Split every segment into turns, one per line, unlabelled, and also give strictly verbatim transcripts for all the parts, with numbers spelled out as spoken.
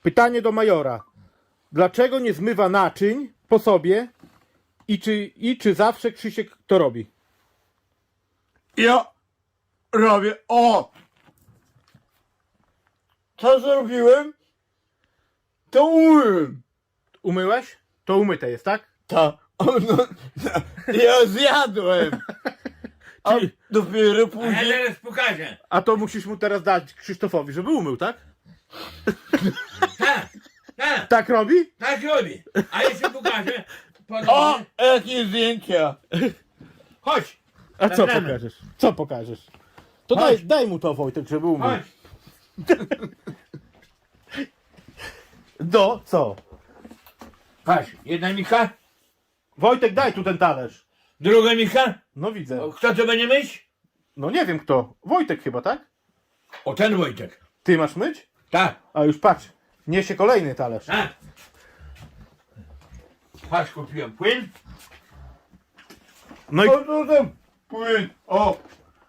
Pytanie do majora. Dlaczego nie zmywa naczyń po sobie i czy, i czy zawsze Krzysiek to robi?
Ja robię, o! Co zrobiłem? To umyłem.
Umyłeś? To umyte jest, tak?
Tak. O, no, ja zjadłem. A
Czyli-
dopiero
A ja
później...
teraz pokażę.
A to musisz mu teraz dać Krzysztofowi, żeby umył, tak?
Tak, tak,
Tak robi?
tak robi. A jeszcze pokażę.
O!
Ponownie.
Jakie zdjęcia!
Chodź,
A co
Zagramy.
pokażesz? Co pokażesz? To
Chodź.
daj, daj mu to, Wojtek, żeby umył.
chodź.
Do, co?
Patrz, jedna Micha,
Wojtek, daj tu ten talerz.
druga Micha.
No widzę.
O, kto to będzie myć?
No nie wiem kto. Wojtek chyba, tak?
O, ten Wojtek.
Ty masz myć?
Tak,
A już patrz. Niesie kolejny talerz.
tak. Patrz, kupiłem płyn.
No i
O, to tam płyn, o!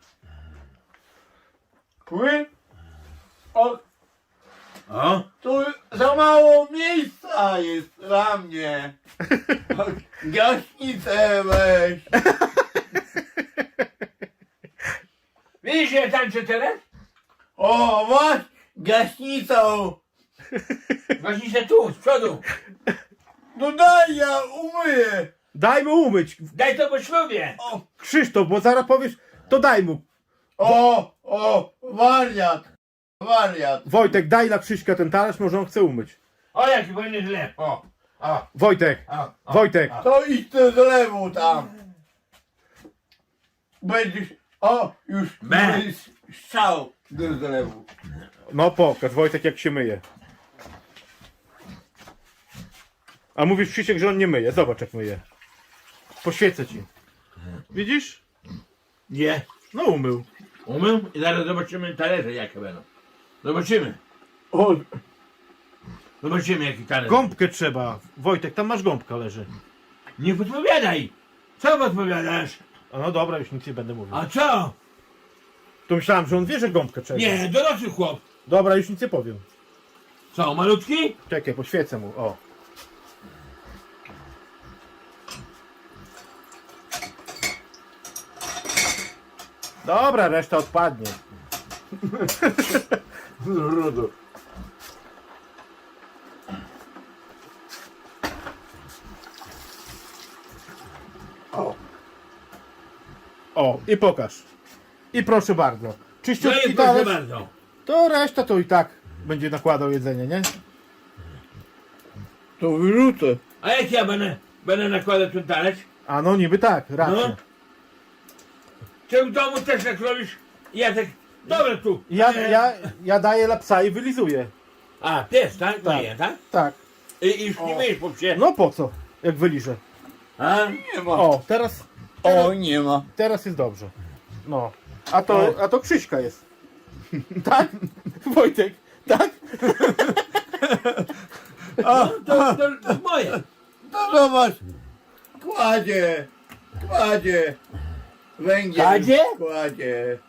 Płyn? O,
O,
tu za mało miejsca jest dla mnie. O, gaśnicę weź.
widzisz, ja tańczę teraz?
O, masz gaśnicą.
Właśnie tu, z przodu.
No daj, ja umyję.
daj mu umyć.
Daj to po ślubie.
O,
Krzysztof, bo zaraz powiesz, to daj mu.
o, o, wariat. Wariat.
Wojtek, daj dla Krzyśka ten talerz, może on chce umyć.
O, jaki fajny zlew. O, o,
Wojtek,
o, o.
Wojtek.
To idź do zlewu tam. Będziesz, o, już
Be.
będziesz strzał do zlewu.
No pokaż, Wojtek, jak się myje. A mówisz, Krzysiek, że on nie myje. Zobacz, jak myje. Poświecę ci. Widzisz?
Nie.
No umył.
Umył i zaraz zobaczymy talerze jakie będą. Zobaczymy.
O,
Zobaczymy jaki talerz.
Gąbkę trzeba. Wojtek, tam masz gąbka leży.
Nie podpowiadaj. Co podpowiadasz?
A no dobra, już nic nie będę mówił.
A co?
To myślałem, że on wie, że gąbkę trzeba.
Nie, dorosły chłop.
Dobra, już nic nie powiem.
Co, malutki?
Czekaj, poświecę mu. O. Dobra, reszta odpadnie.
rudo. O,
O, i pokaż. I proszę bardzo.
No
Czyściutki
i proszę
talerz.
bardzo.
To reszta to i tak będzie nakładał jedzenie, nie?
to wyrzucę.
A jak ja będę, będę nakładał ten talerz?
A no niby tak, racja.
No. Czy w domu też tak robisz? Ja tak, dobra tu.
Ja,
E,
ja, ja daję dla psa i wylizuję.
A, pies, tak?
Tak.
Nie, tak?
Tak.
I, i już nie
O.
myjesz po psie.
No po co? Jak wyliżę.
A?
Nie ma.
O, teraz,
O, nie ma.
teraz jest dobrze. No. A to, a to Krzyśka jest. Tak? Wojtek, tak?
No, to, to, to moje.
To zobacz. Kładzie. Kładzie. Węgiel.
Kładzie?
Kładzie.